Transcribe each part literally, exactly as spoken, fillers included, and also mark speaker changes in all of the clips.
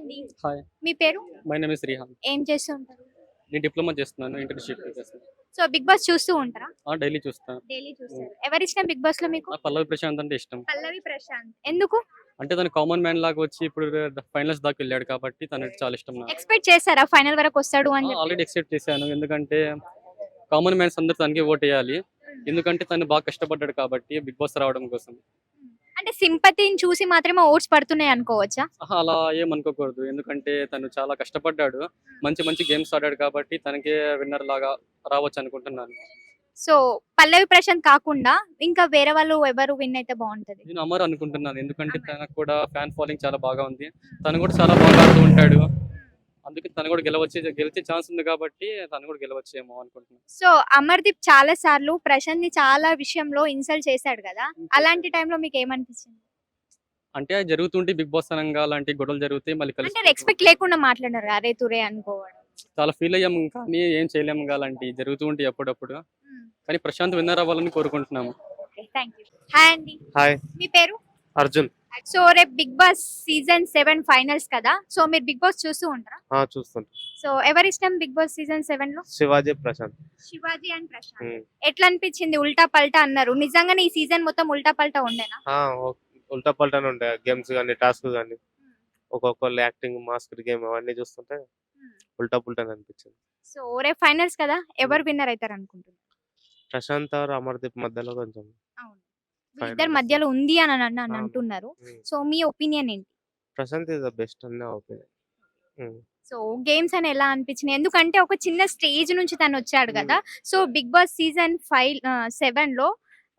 Speaker 1: అండి.
Speaker 2: హాయ్,
Speaker 1: మీ పేరు?
Speaker 2: My name is Rihan.
Speaker 1: ఏం చేస్తూ ఉంటారు?
Speaker 2: నేను డిప్లొమా చేస్తున్నాను, ఇంటర్న్‌షిప్ చేస్తున్నాను.
Speaker 1: సో బిగ్ బాస్ చూస్తూ ఉంటారా?
Speaker 2: ఆ! డైలీ చూస్తా.
Speaker 1: డైలీ
Speaker 2: హ్మ్.
Speaker 1: చూస్తారు. ఎవరిష్టం బిగ్ బాస్ లో మీకు?
Speaker 2: నాకు పల్లవి ప్రశాంత్ అంటే ఇష్టం.
Speaker 1: పల్లవి ప్రశాంత్. ఎందుకు?
Speaker 2: అంటే తను కామన్ మ్యాన్ లాగా వచ్చి ఇప్పుడు ఫైనల్స్ దాకా వెళ్ళాడు కాబట్టి తనంటే చాలా ఇష్టం నాకు.
Speaker 1: ఎక్స్పెక్ట్ చేశారా ఫైనల్ వరకు వస్తాడు
Speaker 2: ఆ!
Speaker 1: అని చెప్పి?
Speaker 2: ఆల్రెడీ ఎక్సెప్ట్ చేశాను. ఎందుకంటే కామన్ మ్యాన్స్ అందరూ తనకే ఓటేయాలి. ఎందుకంటే తను బాగా కష్టపడ్డాడు కాబట్టి బిగ్ బాస్ రావడం కోసం.
Speaker 1: అంటే సింపతిని చూసి మాత్రమే ఓట్స్ పడుతున్నాయి అనుకోవచ్చా?
Speaker 2: అహా! అలా ఏమనుకోకూడదు. ఎందుకంటే తను చాలా కష్టపడ్డాడు. మంచి మంచి గేమ్స్ ఆడాడు కాబట్టి తనకే విన్నర్ లాగా రావచ్చు అనుకుంటున్నాను.
Speaker 1: సో పల్లవి ప్రశాంత్ కాకుండా ఇంకా వేరే వాళ్ళు ఎవరు విన్ అయితే బాగుంటది?
Speaker 2: నేను అమర్ అనుకుంటున్నాను. ఎందుకంటే
Speaker 1: అమర్.
Speaker 2: తనకు కూడా ఫ్యాన్ ఫాలోయింగ్ చాలా బాగా ఉంది. తను కూడా చాలా బాగా ఆడుతూ ఉంటాడు. అందుకే తను కూడా గెలవచ్చే గెలిచే ఛాన్స్ ఉంది కాబట్టి తను కూడా గెలవచ్చేమో అనుకుంటున్నాను.
Speaker 1: సో అమర్దీప్ చాలా సార్లు ప్రశాంత్ ని చాలా విషయంలో ఇన్సల్ట్ చేశాడు కదా, అలాంటి టైంలో మీకు ఏమనిపించింది?
Speaker 2: అంటే అది జరుగుతుంటే బిగ్ బాస్ అనంగా అలాంటి గొడవలు జరుగుతాయి మళ్ళీ కలిసి
Speaker 1: అంటే రెస్పెక్ట్ లేకుండా మాట్లాడారు అరే తురే అనుకోవడం.
Speaker 2: చాలా ఫీల్ అయ్యాము. కానీ ఏం చేయలేము ఇంకా అలాంటివి జరుగుతూ ఉంటాయి అప్పుడప్పుడు. కానీ ప్రశాంత్ విన్నర్ అవ్వాలని కోరుకుంటున్నాము.
Speaker 1: Thank you. హాయ్ అండి.
Speaker 3: హాయ్,
Speaker 1: మీ పేరు?
Speaker 3: అర్జున్.
Speaker 1: సో రేపు Bigg Boss season seven finals కదా, సో మీరు బిగ్ బాస్ చూస్తూ ఉంటారా?
Speaker 3: ఆ చూస్తుంటా.
Speaker 1: సో ఎవరి ఇష్టం బిగ్ బాస్ సీజన్ సెవెన్ లో?
Speaker 3: శివాజీ ప్రశాంత్.
Speaker 1: శివాజీ అండ్ ప్రశాంత్.
Speaker 3: ఉమ్.
Speaker 1: ఎట్లా అనిపించింది? ఉల్టా పల్టా అన్నారు, నిజంగానే ఈ సీజన్ మొత్తం ఉల్టా పల్టా ఉండేనా?
Speaker 3: ఆ, ఓ- ఉల్టా పల్టానే ఉంటాయి గేమ్స్ కానీ టాస్క్ కానీ. ఒక్కొక్కళ్ళు యాక్టింగ్, మాస్క్ గేమ్ అవన్నీ చూస్తుంటే ఉల్టా పుల్టానే అనిపించింది.
Speaker 1: సో రేపు ఫైనల్స్ కదా, ఎవరు విన్నర్ అవుతారు అనుకుంటున్నారు?
Speaker 3: ప్రశాంత్ ఆర్ అమర్దీప్ మధ్యలో కొంచెం
Speaker 1: అవును,
Speaker 3: Final
Speaker 1: ఇద్దరు
Speaker 3: వస్తుంది.
Speaker 1: మధ్యలో ఉంది అని అన్- అని
Speaker 3: అవును.
Speaker 1: అంటున్నారు.
Speaker 3: ఉమ్.
Speaker 1: సో మీ ఒపీనియన్ ఏంటి?
Speaker 3: ప్రశాంత్ ఇస్ ద బెస్ట్ అన్న ఒపీనియన్.
Speaker 1: సో గేమ్స్ అని ఎలా అనిపించినాయి? ఎందుకంటే ఒక చిన్న స్టేజ్ నుంచి తను వచ్చాడు కదా. So Bigg Boss season five seven లో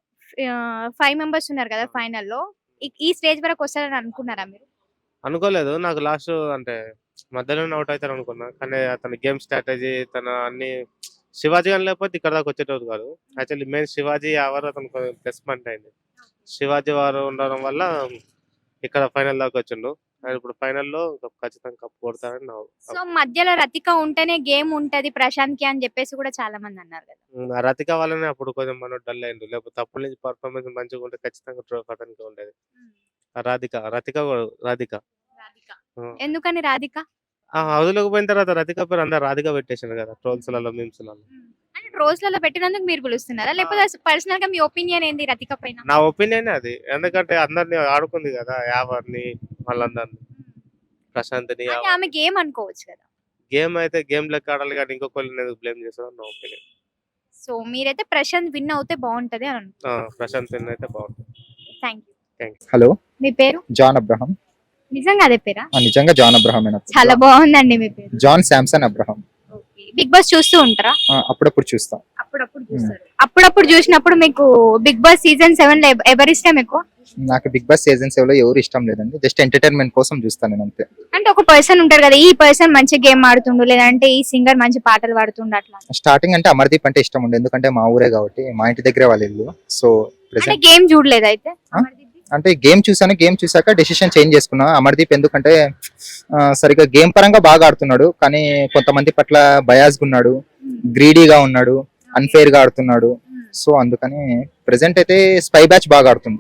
Speaker 1: ఫైవ్ మెంబర్స్ ఉన్నారు కదా ఫైనల్లో. ఈ స్టేజ్ వరకు వస్తారని అనుకున్నారా మీరు?
Speaker 3: అనుకోలేదు, నాకు లాస్ట్ అంటే మధ్యలోనే అవుట్ అవుతారు అనుకున్నా. కానీ అతని గేమ్ స్ట్రాటజీ, తన అన్ని శివాజీ అని లేకపోతే ఇక్కడ దాకా వచ్చేటోడు కాదు. యాక్చువల్లీ మెయిన్ శివాజీ ఎవరు అతను ప్లస్ పాయింట్ అయింది. శివాజీ వారు ఉండడం వల్ల ఇక్కడ ఫైనల్ దాకా వచ్చిండు. ఆయన ఇప్పుడు ఫైనల్లో ఖచ్చితంగా కప్పు కొడతారని నా
Speaker 1: సో మధ్యలో రతిక ఉంటేనే గేమ్ ఉంటది ప్రశాంత్ కి అని చెప్పేసి కూడా చాలా మంది అన్నారు కదా.
Speaker 3: ఉమ్, ఆ రతిక వల్లనే అప్పుడు కొంచెం మనం డల్ అయిండు. లేకపోతే అప్పటి నుంచి పర్ఫార్మెన్స్ మంచిగా ఉంటే ఖచ్చితంగా ట్రోఫీ అతనికి ఉండేది. ఆ రాధిక రతిక కూడా- రాధిక
Speaker 1: రాధిక.
Speaker 3: ఆ.
Speaker 1: ఎందుకని రాధిక?
Speaker 3: ఆ హౌస్లోకి పోయిన తర్వాత రతిక పేరు అందరు రాధిక పెట్టేసారు కదా ట్రోల్స్లలో, మీమ్స్లలో.
Speaker 1: అంటే రోజులలో పెట్టినందుకు మీరు పిలుస్తున్నారా, లేకపోతే పర్సనల్ గా మీ ఒపీనియన్ ఏంది రతిక పైన?
Speaker 3: నా ఒపీనియన్ అది. ఎందుకంటే అందరిని ఆడుకుంది కదా, యావర్ని వాళ్ళందరిని, ప్రశాంత్ని.
Speaker 1: అంటే ఆమె గేమ్ అనుకోవచ్చు కదా.
Speaker 3: గేమ్ అయితే గేమ్ లెక్క ఆడాలి కానీ ఇంకొకరిని ఎందుకు బ్లేమ్ చేస్తారో నా ఒపీనియన్.
Speaker 1: సో మీరైతే ప్రశాంత్ విన్ అవుతే బాగుంటది అని అనుకుంటున్నారు.
Speaker 3: ప్రశాంత్ అయితే బాగుంటుంది.
Speaker 1: Thank you.
Speaker 3: థ్యాంక్స్.
Speaker 4: హలో,
Speaker 1: మీ పేరు?
Speaker 4: John Abraham.
Speaker 1: నిజంగా అదే పేరా?
Speaker 4: ఆ, నిజంగా జాన్ అబ్రహం
Speaker 1: చాలా బాగుందండి మీ పేరు.
Speaker 4: John Samson Abraham.
Speaker 1: Bigg Boss చూస్తూ ఉంటారా?
Speaker 4: ఆ, అప్పుడప్పుడు చూస్తాం.
Speaker 1: అప్పుడప్పుడు చూస్తారు. అప్పుడప్పుడు చూసినప్పుడు మీకు బిగ్ బాస్ సీజన్ సెవెన్ లో ఎవ- ఎవరి ఇష్టం ఎక్కువ?
Speaker 4: నాకు బిగ్ బాస్ సీజన్ సెవెన్ లో ఎవరు ఇష్టం లేదండి, జస్ట్ ఎంటర్టైన్మెంట్ కోసం చూస్తాను నేను అంతే.
Speaker 1: అంటే ఒక పర్సన్ ఉంటారు కదా, ఈ పర్సన్ మంచి గేమ్ ఆడుతుండు, లేదంటే ఈ సింగర్ మంచి పాటలు పాడుతుండు అట్లా.
Speaker 4: స్టార్టింగ్ అంటే అమర్దీప్ అంటే ఇష్టం ఉండే, ఎందుకంటే మా ఊరే కాబట్టి, మా ఇంటి దగ్గరే వాళ్ళ ఇల్లు. సో
Speaker 1: అంటే
Speaker 4: ప్రెసెంట్
Speaker 1: గేమ్ చూడలేదు అయితే?
Speaker 4: ఆ? అంటే గేమ్ చూసాను, గేమ్ చూసాక డెసిషన్ చేంజ్ చేసుకున్నా. అమర్దీప్ ఎందుకంటే ఆ, సరిగ్గా గేమ్ పరంగా బాగా ఆడుతున్నాడు, కానీ కొంతమంది పట్ల బయాస్గా ఉన్నాడు, గ్రీడీగా ఉన్నాడు, అన్ఫేర్ గా ఆడుతున్నాడు. సో అందుకని ప్రెసెంట్ అయితే స్పై బ్యాచ్ బాగా ఆడుతుంది.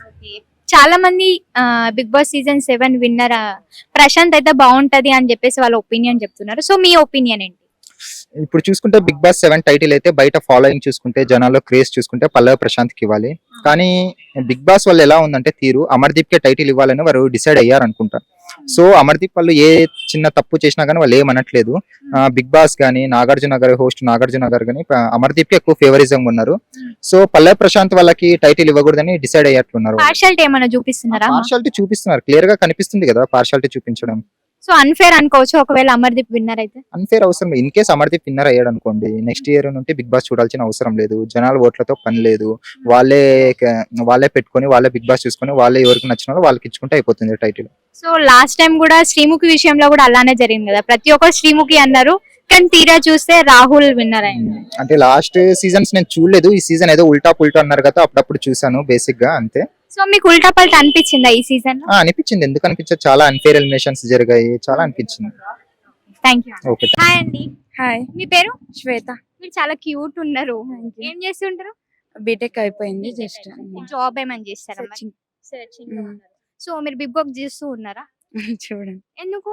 Speaker 1: చాలా మంది Bigg Boss season seven winner Prashanth అయితే బాగుంటది అని చెప్పేసి వాళ్ళ ఒపీనియన్ చెప్తున్నారు. సో మీ ఒపీనియన్ ఏంటి?
Speaker 4: ఇప్పుడు చూసుకుంటే బిగ్ బాస్ సెవెన్ టైటిల్ అయితే బయట ఫాలోయింగ్ చూసుకుంటే, జనాల్లో క్రేజ్ చూసుకుంటే పల్లవి ప్రశాంత్ కి ఇవ్వాలి. కానీ బిగ్ బాస్ వాళ్ళు ఎలా ఉందంటే తీరు, అమర్దీప్ కే టైటిల్ ఇవ్వాలని వారు డిసైడ్ అయ్యారు అనుకుంటా. సో అమర్దీప్ వాళ్ళు ఏ చిన్న తప్పు చేసినా కానీ వాళ్ళు ఏమనట్లేదు. బిగ్ బాస్ గానీ, నాగార్జున గారి హోస్ట్ నాగార్జున గారు కానీ అమర్దీప్ కి ఎక్కువ ఫేవరిజం ఉన్నారు. సో పల్లవి ప్రశాంత్ వాళ్ళకి టైటిల్ ఇవ్వకూడదని డిసైడ్ అయ్యేట్లున్నారు.
Speaker 1: పార్షాలిటీ ఏమైనా చూపిస్తున్నారా?
Speaker 4: పార్షాలిటీ చూపిస్తున్నారు, క్లియర్ గా కనిపిస్తుంది కదా పార్షాలిటీ చూపించడం.
Speaker 1: సో అన్ఫేర్ అనుకోవచ్చు ఒకవేళ అమర్దీప్ విన్నర్ అయితే?
Speaker 4: అన్ఫేర్ అవసరం ఇన్ కేస్ అమర్దీప్ విన్నర్ అయ్యాడు అనుకోండి, నెక్స్ట్ ఇయర్ నుండి బిగ్ బాస్ చూడాల్సిన అవసరం లేదు. జనాల ఓట్లతో పని లేదు, వాళ్ళే వాళ్ళే పెట్టుకొని వాళ్ళే బిగ్ బాస్ చూసుకొని వాళ్ళే ఎవరికి నచ్చిన వాళ్ళు వాళ్ళకి ఇచ్చుకుంటే అయిపోతుంది టైటిల్.
Speaker 1: సో లాస్ట్ టైం కూడా శ్రీముఖి విషయంలో కూడా అలానే జరిగింది కదా, ప్రతి ఒక్కరు శ్రీముఖి అన్నారు, కానీ తీరా చూస్తే రాహుల్ విన్నర్ అయింది.
Speaker 4: అంటే లాస్ట్ సీజన్స్ నేను చూడలేదు, ఈ సీజన్ ఏదో ఉల్టా పుల్టా అన్నారు కదా, అప్పుడప్పుడు చూసాను బేసిక్ గా అంతే.
Speaker 1: సో మీకు ఉల్టా పల్టా అనిపించిందా ఈ సీజన్ లో?
Speaker 4: ఆ, అనిపించింది, ఎందుకు అనిపించదు, చాలా అన్ఫేర్ ఎలిమినేషన్స్ జరిగాయి, చాలా అనిపించింది.
Speaker 1: Thank you.
Speaker 4: ఓకే.
Speaker 1: హాయ్ అండి.
Speaker 5: హాయ్,
Speaker 1: మీ పేరు?
Speaker 5: శ్వేత.
Speaker 1: మీరు చాలా క్యూట్ ఉన్నారు.
Speaker 5: Thank you.
Speaker 1: ఏం చేస్తుంటారు?
Speaker 5: బీటెక్ అయిపోయింది జస్ట్
Speaker 1: జాబ్ ఏమని చేస్తారా?
Speaker 5: Searching.
Speaker 1: Searching
Speaker 5: Mm.
Speaker 1: లో ఉన్నారు. సో మీరు బిగ్ బాస్ చూస్తూ ఉన్నారా?
Speaker 5: చూడండి.
Speaker 1: ఎందుకు?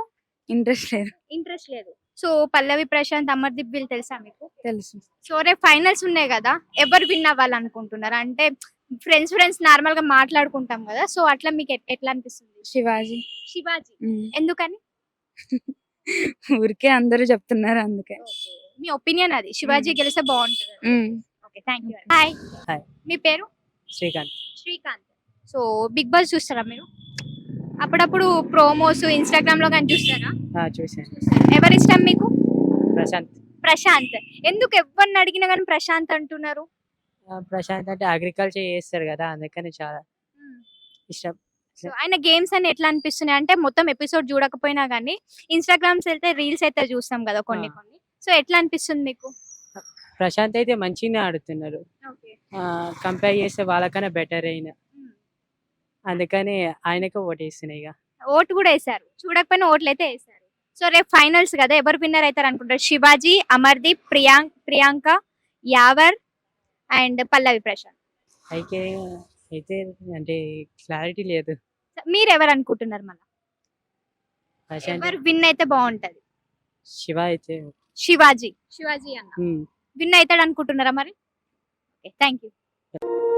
Speaker 5: ఇంట్రెస్ట్ లేదు.
Speaker 1: ఇంట్రెస్ట్ లేదు. సో పల్లవి ప్రశాంత్ అమర్దీప్ వీళ్ళు తెలుసా మీకు?
Speaker 5: తెలుసు.
Speaker 1: సో రేపు ఫైనల్స్ ఉన్నాయి కదా, ఎవరు విన్ అవ్వాలనుకుంటున్నారు? అంటే ఫ్రెండ్స్ ఫ్రెండ్స్ నార్మల్ గా మాట్లాడుకుంటాం కదా, సో అట్లా మీకు ఎట్- ఎట్లా అనిపిస్తుంది?
Speaker 5: శివాజీ.
Speaker 1: శివాజీ.
Speaker 5: ఉమ్.
Speaker 1: ఎందుకని?
Speaker 5: ఊరికే అందరూ చెప్తున్నారు అందుకే.
Speaker 1: మీ ఒపీనియన్ అది, శివాజీ
Speaker 5: మ్మ్.
Speaker 1: గెలిస్తే బాగుంటుంది.
Speaker 5: Um.
Speaker 1: Okay, thank you. Hi.
Speaker 6: Hi.
Speaker 1: మీ పేరు?
Speaker 6: Srikanth.
Speaker 1: Srikanth. So Bigg Boss చూస్తారా మీరు? అప్పుడప్పుడు ప్రోమోస్ ఇన్స్టాగ్రామ్ లో కానీ చూస్తారా?
Speaker 6: ఆ, చూశాను.
Speaker 1: ఎవరి ఇష్టం మీకు?
Speaker 6: ప్రశాంత్.
Speaker 1: ప్రశాంత్. ఎందుకు ఎవరిని అడిగినా కానీ ప్రశాంత్ అంటున్నారు?
Speaker 6: ఆ, ప్రశాంత్ అంటే అగ్రికల్చర్ చేస్తారు కదా, అందుకని చాలా ఇష్టం.
Speaker 1: సో ఆయన గేమ్స్ అని ఎట్లా అనిపిస్తున్నాయి అంటే, మొత్తం ఎపిసోడ్ చూడకపోయినా కానీ ఇన్స్టాగ్రామ్స్ వెళ్తే రీల్స్ అయితే చూస్తాం కదా కొన్ని
Speaker 6: ఆ.
Speaker 1: కొన్ని. సో ఎట్లా అనిపిస్తుంది మీకు?
Speaker 6: ప్రశాంత్ అయితే మంచిగానే ఆడుతున్నారు.
Speaker 1: ఓకే.
Speaker 6: కంపేర్ చేస్తే వాళ్ళకన్నా బెటర్ అయిన, అందుకని ఆయనకు ఓటేస్తున్నాయి ఇక.
Speaker 1: ఓటు కూడా వేసారు, చూడకపోయినా ఓట్లు అయితే వేసారు. సో రేపు ఫైనల్స్ కదా, ఎవరు విన్నర్ అవుతారు అనుకుంటారు? శివాజీ, అమర్దీప్, ప్రియాంక్ ప్రియాంక, యావర్ అండ్ పల్లవి ప్రశాంత్.
Speaker 6: అయితే అయితే అంటే క్లారిటీ లేదు.
Speaker 1: So, మీరు ఎవరు అనుకుంటున్నారు? మళ్ళీ
Speaker 6: ప్రశాంత్.
Speaker 1: ఎవరు విన్ అయితే బాగుంటది?
Speaker 6: శివ అయితే
Speaker 1: శివాజీ. శివాజీ అన్న
Speaker 6: ఉమ్.
Speaker 1: విన్ అవుతాడు అనుకుంటున్నారా మరి? Okay, thank you.